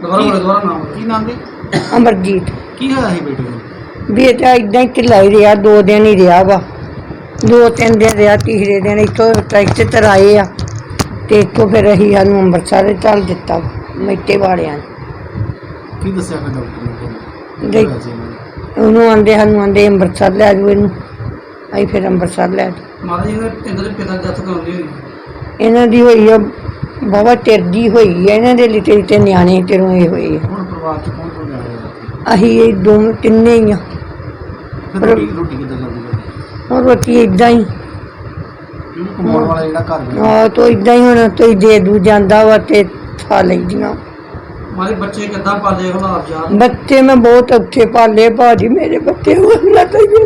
ਦੁਬਾਰਾ ਨਾਮ ਕੀ ਨਾਮ ਦੇ? ਅਮਰਜੀਤ। ਕੀ ਹੋਇਆ ਸੀ ਬੇਟੇ ਨੂੰ? ਬੇਟਾ ਇਦਾਂ ਹੀ ਢਿੱਲਾ ਹੀ ਰਿਹਾ, 2 ਦਿਨ ਹੀ ਰਿਹਾ ਵਾ, 2-3 ਦਿਨ ਰਿਹਾ। ਤੀਸਰੇ ਦਿਨ ਇੱਥੋਂ ਟਰੈਕਟਰ ਚਲਾਏ ਆ ਤੇ ਇੱਥੋਂ ਫਿਰ ਅਸੀਂ ਸਾਨੂੰ ਅੰਮ੍ਰਿਤਸਰ ਚੱਲ ਦਿੱਤਾ ਮੈਟੇ ਵਾਲਿਆਂ ਨੇ। ਕੀ ਦੱਸਿਆ ਫਿਰ ਡਾਕਟਰ ਦੇ- ਨੇ? ਉਹਨੂੰ ਆਂਦੇ ਅੰਮ੍ਰਿਤਸਰ ਲੈ ਜਾਓ ਇਹਨੂੰ। ਅਸੀਂ ਫਿਰ ਅੰਮ੍ਰਿਤਸਰ ਲੈ ਜਾਓ। ਮਾਤਾ ਜੀ ਦੇ ਪਿਤਾ ਦੀ ਡੈਥ ਕਰਾਉਂਦੇ ਹੋਈ ਇਹਨਾਂ ਦੀ ਹੋਈ ਆ ਬਾਬਾ ਟਿਰਦੀ ਹੋਈ ਆ, ਇਹਨਾਂ ਦੇ ਲਿਟੇ ਲਿਟੇ ਨਿਆਣੇ ਤੇਰੋਂ ਇਹ ਹੋਏ ਆ। ਹੁਣ ਪਰਿਵਾਰ ਚ ਕੌਣ ਕੌਣ ਰਿਹਾ? ਅਸੀਂ ਇਹ ਤਿੰਨੇ ਹੀ ਆ। ਫਿਰ ਰੋਟੀ ਕਿੱਦਾਂ ਚੱਲਦੀ ਹੈ? ਹੁਣ ਰੋਟੀ ਇਦਾਂ ਹੀ ਕਮਾਉਣ ਵਾਲਾ ਜਿਹੜਾ ਘਰ ਹੈ ਆ ਤੋ ਇਦਾਂ ਹੀ ਹੁਣ ਤੋਈ ਦੇ ਦੂ ਜਾਂਦਾ ਵਾ ਤੇ ਖਾ ਲਈਦੀਆਂ। ਮਾਰੇ ਬੱਚੇ ਕਿੱਦਾਂ ਪਾਲੇ ਹੁਣ ਆਪ ਯਾਰ? ਬੱਚੇ ਮੈਂ ਬਹੁਤ ਔਖੇ ਪਾਲੇ ਭਾਜੀ, ਮੇਰੇ ਬੱਚੇ ਉਹਨਾਂ ਤੋਂ ਹੀ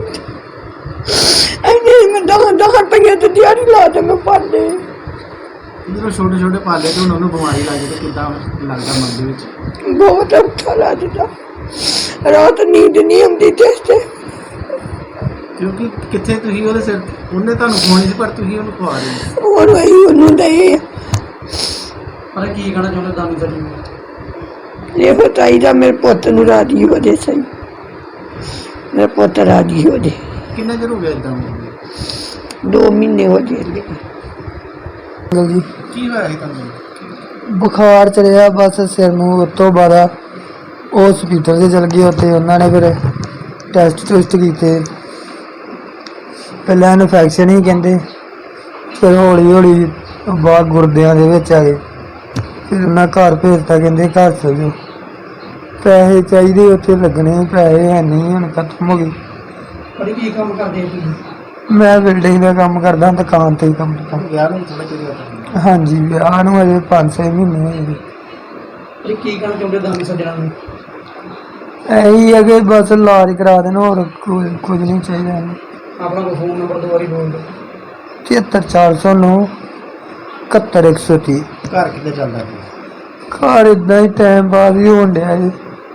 ਐਨੇ ਮੈਂ 10 ਰੁਪਏ ਤੇ ਦਿਹਾੜੀ ਲਾ ਤੇ ਮੈਂ ਪਾਲੇ। ਜਦੋਂ ਛੋਟੇ ਛੋਟੇ ਪਾਲੇ ਤੇ ਹੁਣ ਉਹਨੂੰ ਬਿਮਾਰੀ ਲੱਗ ਜਾਏ ਤੇ ਕਿੱਦਾਂ ਲੱਗਦਾ ਮਨ ਦੇ ਵਿੱਚ? ਬਹੁਤ ਔਖਾ ਲੱਗਦਾ, ਰਾਤ ਨੀਂਦ ਨਹੀਂ ਆਉਂਦੀ ਤੇ ਕਿਉਂਕਿ ਕਿੱਥੇ ਤੁਸੀਂ ਉਹਦੇ ਸਿਰ, ਉਹਨੇ ਤੁਹਾਨੂੰ ਖਵਾਉਣੀ ਸੀ ਪਰ ਤੁਸੀਂ ਉਹਨੂੰ ਖਵਾ ਰਹੇ ਹੋ। ਹੋਰ ਵਹੀ ਉਹਨੂੰ ਦਏ। ਪਰ ਕੀ ਕਹਿਣਾ ਚਾਹੁੰਦੇ ਦਾਨੀ ਸੱਜਣ ਨੂੰ? ਇਹ ਚਾਹੀਦਾ ਮੇਰੇ ਪੁੱਤ ਨੂੰ ਰਾਜੀ ਹੋ ਜੇ, ਸਹੀ ਮੇਰਾ ਪੁੱਤ ਰਾਜੀ ਹੋ ਜੇ। ਕਿੰਨਾ ਚਿਰ ਹੋ ਗਿਆ ਇਦਾਂ? 2 ਮਹੀਨੇ ਹੋ ਜੇ। ਜੀ ਕੀ ਹੋਇਆ ਸੀ ਤੁਹਾਨੂੰ? ਬੁਖਾਰ ਚੜਿਆ ਬਸ ਸਿਰ ਨੂੰ। ਉਸ ਤੋਂ ਬਾਅਦ ਹਸਪੀਟਲ 'ਚ ਚਲ ਗਏ। ਉੱਥੇ ਉਹਨਾਂ ਨੇ ਫਿਰ ਟੈਸਟ ਟੂਸਟ ਕੀਤੇ। ਪਹਿਲਾਂ ਇਨਫੈਕਸ਼ਨ ਹੀ ਕਹਿੰਦੇ, ਫਿਰ ਹੌਲੀ ਹੌਲੀ ਬਾਹਰ ਗੁਰਦਿਆਂ ਦੇ ਵਿੱਚ ਆ ਗਏ। ਫਿਰ ਉਹਨਾਂ ਘਰ ਭੇਜਤਾ, ਕਹਿੰਦੇ ਘਰ ਚਲ ਜਾਓ, ਪੈਸੇ ਚਾਹੀਦੇ ਉੱਥੇ ਲੱਗਣੇ, ਪੈਸੇ ਹੈ ਨਹੀਂ, ਹੁਣ ਖਤਮ ਹੋ ਗਏ। ਪਰ ਕੀ ਕੰਮ ਕਰਦੇ ਤੁਸੀਂ? ਮੈਂ ਬਿਲਡਿੰਗ ਦਾ ਕੰਮ ਕਰਦਾ, ਦੁਕਾਨ 'ਤੇ ਹੀ ਕੰਮ ਕਰਦਾ। ਵਿਆਹ ਨੂੰ ਥੋੜਾ ਚਿਰ ਹੋਇਆ? ਹਾਂਜੀ, ਵਿਆਹ ਨੂੰ ਅਜੇ 5-6 ਮਹੀਨੇ ਹੋਏ ਜੀ। ਇਹ ਕੀ ਕਹਿਣਾ ਚਾਹੁੰਦੇ ਦਾਨੀ ਸੱਜਣਾਂ ਨੂੰ? ਇਹੀ ਹੈ ਕਿ ਬਸ ਇਲਾਜ ਕਰਾ ਦੇਣ, ਹੋਰ ਕੁਝ ਨਹੀਂ ਚਾਹੀਦਾ। ਆਪਣਾ ਕੋਈ ਫੋਨ ਨੰਬਰ ਦੁਬਾਰੀ ਬੋਲ ਦਿਓ। 73409 71130। ਘਰ ਕਿੱਦਾਂ ਚੱਲਦਾ ਹੈ? ਘਰ ਇਦਾਂ ਹੀ ਟਾਈਮ ਪਾਸ ਹੀ ਹੋਣ ਡਿਆ ਜੀ।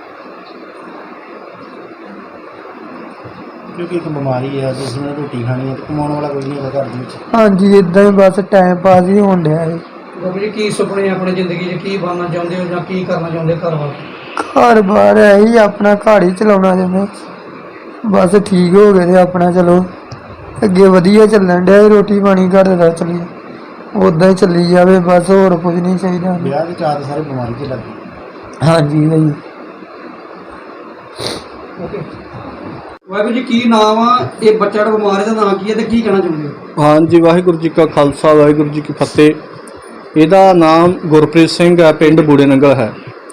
ਕਿਉਂਕਿ ਇੱਕ ਬਿਮਾਰੀ ਹੈ, ਜਿਸ ਨੇ ਰੋਟੀ ਖਾਣੀ ਹੈ ਤੇ ਕਮਾਉਣ ਵਾਲਾ ਕੋਈ ਨਹੀਂ ਹੈਗਾ ਘਰ ਦੇ ਵਿੱਚ। ਹਾਂਜੀ, ਇਦਾਂ ਹੀ ਬਸ ਟਾਈਮ ਪਾਸ ਹੀ ਹੋਣ ਡਿਆ ਜੀ। ਬਾਬਾ ਜੀ ਕੀ ਸੁਪਨੇ ਆਪਣੀ ਜ਼ਿੰਦਗੀ 'ਚ ਕੀ ਬਣਨਾ ਚਾਹੁੰਦੇ ਹੋ ਜਾਂ ਕੀ ਕਰਨਾ ਚਾਹੁੰਦੇ ਘਰ ਵਾਲੇ? ਘਰ ਬਾਹਰ ਇਹੀ ਆਪਣਾ ਘਰ ਹੀ ਚਲਾਉਣਾ ਚਾਹੁੰਦੇ, ਬਸ ਠੀਕ ਹੋ ਗਏ ਤੇ ਆਪਣਾ ਚਲੋ ਅੱਗੇ ਵਧੀਆ ਚੱਲਣ ਡਿਆ। ਰੋਟੀ ਪਾਣੀ ਘਰ ਦਾ ਚੱਲੀ ਉੱਦਾਂ ਹੀ ਚੱਲੀ ਜਾਵੇ, ਬਸ ਹੋਰ ਕੁਝ ਨਹੀਂ ਚਾਹੀਦਾ। ਵਿਆਹ ਦੇ ਚਾਰ ਸਾਰੇ ਬਿਮਾਰੀ 'ਚ ਲੱਗ ਗਏ। ਹਾਂਜੀ ਭਾਈ। ਓਕੇ ਵਾਹਿਗੁਰੂ ਜੀ, ਕੀ ਨਾਮ ਆ ਇਹ ਬੱਚਾ ਜਿਹੜਾ ਬਿਮਾਰ ਹੈ ਦਾ ਨਾਮ ਕੀ ਹੈ ਤੇ ਕੀ ਕਹਿਣਾ ਚਾਹੁੰਦੇ ਹੋ? ਹਾਂਜੀ, ਵਾਹਿਗੁਰੂ ਜੀ ਕਾ ਖਾਲਸਾ, ਵਾਹਿਗੁਰੂ ਜੀ ਕੀ ਫਤਿਹ। ਇਹਦਾ ਨਾਮ ਗੁਰਪ੍ਰੀਤ ਸਿੰਘ ਹੈ, ਪਿੰਡ ਬੂੜੇ ਨੰਗਲ ਹੈ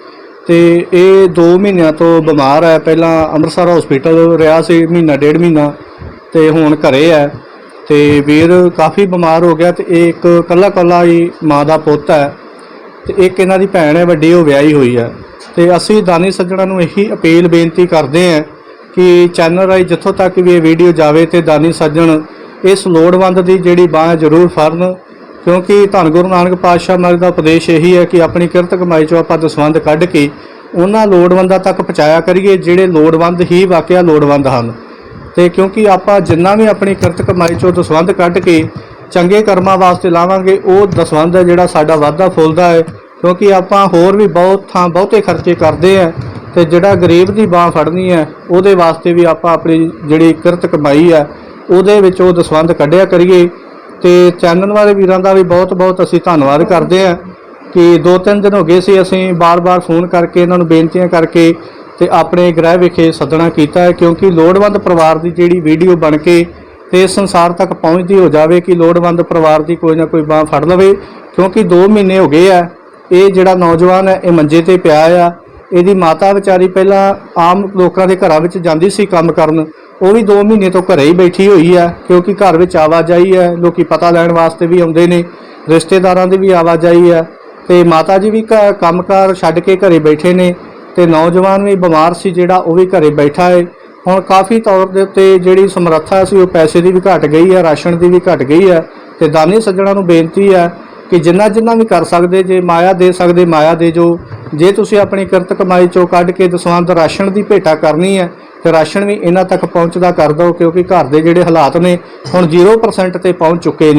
ਤੇ ਇਹ 2 ਮਹੀਨਿਆਂ ਤੋਂ ਬਿਮਾਰ ਹੈ। ਪਹਿਲਾਂ ਅੰਮ੍ਰਿਤਸਰ ਹਸਪੀਟਲ ਰਿਹਾ ਸੀ ਮਹੀਨਾ 1.5 ਮਹੀਨਾ ਤੇ ਹੁਣ ਘਰੇ ਹੈ। ਤੇ ਵੀਰ ਕਾਫੀ ਬਿਮਾਰ ਹੋ ਗਿਆ ਤੇ ਇਹ ਇੱਕ ਇਕੱਲਾ ਹੀ ਮਾਂ ਦਾ ਪੁੱਤ ਹੈ ਤੇ ਇੱਕ ਇਹਨਾਂ ਦੀ ਭੈਣ ਹੈ ਵੱਡੀ, ਉਹ ਵਿਆਹੀ ਹੋਈ ਹੈ। ਤੇ ਅਸੀਂ ਦਾਨੀ ਸੱਜਣਾਂ ਨੂੰ ਇਹੀ ਅਪੀਲ ਬੇਨਤੀ ਕਰਦੇ ਹਾਂ ਕਿ ਚੈਨਲ ਰਾਹੀਂ ਜਿੱਥੋਂ ਤੱਕ ਵੀ ਇਹ ਵੀਡੀਓ ਜਾਵੇ ਤੇ ਦਾਨੀ ਸੱਜਣ ਇਸ ਲੋੜਵੰਦ ਦੀ ਜਿਹੜੀ ਬਾਂਹ ਜ਼ਰੂਰ ਫੜਨ, ਕਿਉਂਕਿ ਧੰਨ ਗੁਰੂ ਨਾਨਕ ਪਾਤਸ਼ਾਹ ਮਹਾਰਾਜ ਦਾ ਉਪਦੇਸ਼ ਇਹੀ ਹੈ ਕਿ ਆਪਣੀ ਕਿਰਤ ਕਮਾਈ 'ਚੋਂ ਆਪਾਂ ਦਸਵੰਧ ਕੱਢ ਕੇ ਉਹਨਾਂ ਲੋੜਵੰਦਾਂ ਤੱਕ ਪਹੁੰਚਾਇਆ ਕਰੀਏ ਜਿਹੜੇ ਲੋੜਵੰਦ ਹੀ ਵਾਕਿਆ ਲੋੜਵੰਦ ਹਨ। ਤੇ ਕਿਉਂਕਿ ਆਪਾਂ ਜਿੰਨਾ ਵੀ ਆਪਣੀ ਕਿਰਤ ਕਮਾਈ 'ਚੋਂ ਦਸਵੰਧ ਕੱਢ ਕੇ ਚੰਗੇ ਕਰਮਾਂ ਵਾਸਤੇ ਲਾਵਾਂਗੇ, ਉਹ ਦਸਵੰਧ ਹੈ ਜਿਹੜਾ ਸਾਡਾ ਵਾਧਾ ਫੁੱਲਦਾ ਹੈ। ਕਿਉਂਕਿ ਆਪਾਂ ਹੋਰ ਵੀ ਬਹੁਤੇ ਖਰਚੇ ਕਰਦੇ ਆ ਤੇ ਜਿਹੜਾ ਗਰੀਬ ਦੀ ਬਾਂਹ ਫੜਨੀ ਹੈ ਉਹਦੇ ਵਾਸਤੇ ਵੀ ਆਪਾਂ ਆਪਣੀ ਜਿਹੜੀ ਕਿਰਤ ਕਮਾਈ ਹੈ ਉਹਦੇ ਵਿੱਚ ਉਹ ਦਸਵੰਧ ਕੱਢਿਆ ਕਰੀਏ। ਤੇ ਚੈਨਲ ਵਾਲੇ ਵੀਰਾਂ ਦਾ ਵੀ ਬਹੁਤ ਅਸੀਂ ਧੰਨਵਾਦ ਕਰਦੇ ਹਾਂ ਕਿ 2-3 ਦਿਨ ਹੋ ਗਏ ਸੀ ਅਸੀਂ ਬਾਰ-ਬਾਰ ਫੋਨ ਕਰਕੇ ਇਹਨਾਂ ਨੂੰ ਬੇਨਤੀਆਂ ਕਰਕੇ ਤੇ ਆਪਣੇ ਗ੍ਰਹਿ ਵਿਖੇ ਸੱਦਣਾ ਕੀਤਾ ਹੈ, ਕਿਉਂਕਿ ਲੋੜਵੰਦ ਪਰਿਵਾਰ ਦੀ ਜਿਹੜੀ ਵੀਡੀਓ ਬਣ ਕੇ ਤੇ ਸੰਸਾਰ ਤੱਕ ਪਹੁੰਚਦੀ ਹੋ ਜਾਵੇ ਕਿ ਲੋੜਵੰਦ ਪਰਿਵਾਰ ਦੀ ਕੋਈ ਨਾ ਕੋਈ ਬਾਂਹ ਫੜ ਲਵੇ। ਕਿਉਂਕਿ 2 ਮਹੀਨੇ ਹੋ ਗਏ ਆ ਇਹ ਜਿਹੜਾ ਨੌਜਵਾਨ ਹੈ ਇਹ ਮੰਜੇ ਤੇ ਪਿਆ ਆ। ਇਹਦੀ ਮਾਤਾ ਵਿਚਾਰੀ ਪਹਿਲਾਂ ਆਮ ਲੋਕਾਂ ਦੇ ਘਰਾਂ ਵਿੱਚ ਜਾਂਦੀ ਸੀ ਕੰਮ ਕਰਨ, ਉਹ ਵੀ 2 ਮਹੀਨੇ ਤੋਂ ਘਰੇ ਹੀ ਬੈਠੀ ਹੋਈ ਹੈ। ਕਿਉਂਕਿ ਘਰ ਵਿੱਚ ਆਵਾਜਾਈ ਹੈ, ਲੋਕੀ ਪਤਾ ਲੈਣ ਵਾਸਤੇ ਵੀ ਆਉਂਦੇ ਨੇ, ਰਿਸ਼ਤੇਦਾਰਾਂ ਦੀ ਵੀ ਆਵਾਜਾਈ ਹੈ ਤੇ ਮਾਤਾ ਜੀ ਵੀ ਕੰਮਕਾਰ ਛੱਡ ਕੇ ਘਰੇ ਬੈਠੇ ਨੇ ਤੇ ਨੌਜਵਾਨ ਵੀ ਬਿਮਾਰ ਸੀ ਜਿਹੜਾ, ਉਹ ਵੀ ਘਰੇ ਬੈਠਾ ਹੈ। ਹੁਣ ਕਾਫੀ ਤੌਰ ਦੇ ਉੱਤੇ ਜਿਹੜੀ ਸਮਰੱਥਾ ਸੀ ਉਹ ਪੈਸੇ ਦੀ ਵੀ ਘਟ ਗਈ ਹੈ, ਰਾਸ਼ਨ ਦੀ ਵੀ ਘਟ ਗਈ ਹੈ। ਤੇ ਦਾਨੀ ਸੱਜਣਾਂ ਨੂੰ ਬੇਨਤੀ ਹੈ ਕਿ ਜਿੰਨਾ ਵੀ ਕਰ ਸਕਦੇ, ਜੇ ਮਾਇਆ ਦੇ ਸਕਦੇ ਮਾਇਆ ਦੇ ਜੋ, ਜੇ ਤੁਸੀਂ ਆਪਣੀ ਕਿਰਤ ਕਮਾਈ 'ਚੋਂ ਕੱਢ ਕੇ ਦਸਵੰਧ ਰਾਸ਼ਨ ਦੀ ਭੇਟਾ ਕਰਨੀ ਹੈ ਤੇ ਰਾਸ਼ਨ ਵੀ ਇਹਨਾਂ ਤੱਕ ਪਹੁੰਚਦਾ ਕਰ ਦਿਓ। ਕਿਉਂਕਿ ਘਰ ਦੇ ਜਿਹੜੇ ਹਾਲਾਤ ਨੇ ਹੁਣ 0% ਤੇ ਪਹੁੰਚ ਚੁੱਕੇ ਨੇ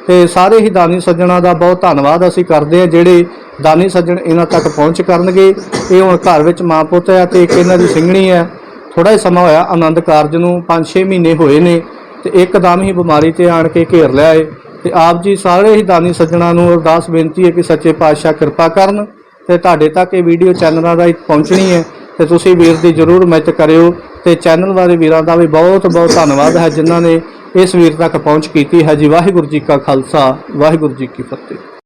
ਤੇ ਸਾਰੇ ਹੀ ਦਾਨੀ ਸੱਜਣਾ ਦਾ ਬਹੁਤ ਧੰਨਵਾਦ ਅਸੀਂ ਕਰਦੇ ਹਾਂ, ਜਿਹੜੇ ਦਾਨੀ ਸੱਜਣ ਇਹਨਾਂ ਤੱਕ ਪਹੁੰਚ ਕਰਨਗੇ। ਇਹ ਹੁਣ ਘਰ ਵਿੱਚ ਮਾਂ ਪੁੱਤ ਹੈ ਤੇ ਇੱਕ ਇਹਨਾਂ ਦੀ ਸਿੰਘਣੀ ਹੈ। ਥੋੜਾ ਹੀ ਸਮਾਂ ਹੋਇਆ ਆਨੰਦ ਕਾਰਜ ਨੂੰ, 5-6 ਮਹੀਨੇ ਹੋਏ ਨੇ ਤੇ ਇੱਕਦਮ ਹੀ ਬਿਮਾਰੀ ਤੇ ਆਣ ਕੇ ਘੇਰ ਲਿਆ ਏ। ਤੇ ਆਪ ਜੀ ਸਾਰੇ ਹੀ ਦਾਨੀ ਸੱਜਣਾ ਨੂੰ ਅਰਦਾਸ ਬੇਨਤੀ ਹੈ ਕਿ ਸੱਚੇ ਪਾਤਸ਼ਾਹ ਕਿਰਪਾ ਕਰਨ ਤੇ ਤੁਹਾਡੇ ਤੱਕ ਇਹ ਵੀਡੀਓ ਚੈਨਲਾਂ ਰਾਹੀਂ ਪਹੁੰਚਣੀ ਹੈ ਤੇ ਤੁਸੀਂ ਵੀਰ ਦੀ ਜ਼ਰੂਰ ਮਦਦ ਕਰਿਓ। ਤੇ ਚੈਨਲ ਵਾਲੇ ਵੀਰਾਂ ਦਾ ਵੀ ਬਹੁਤ ਬਹੁਤ ਧੰਨਵਾਦ ਹੈ ਜਿਨ੍ਹਾਂ ਨੇ ਇਸ ਵੀਰ ਤੱਕ ਪਹੁੰਚ ਕੀਤੀ ਹੈ ਜੀ। ਵਾਹਿਗੁਰੂ ਜੀ ਕਾ ਖਾਲਸਾ, ਵਾਹਿਗੁਰੂ ਜੀ ਕੀ ਫਤਿਹ।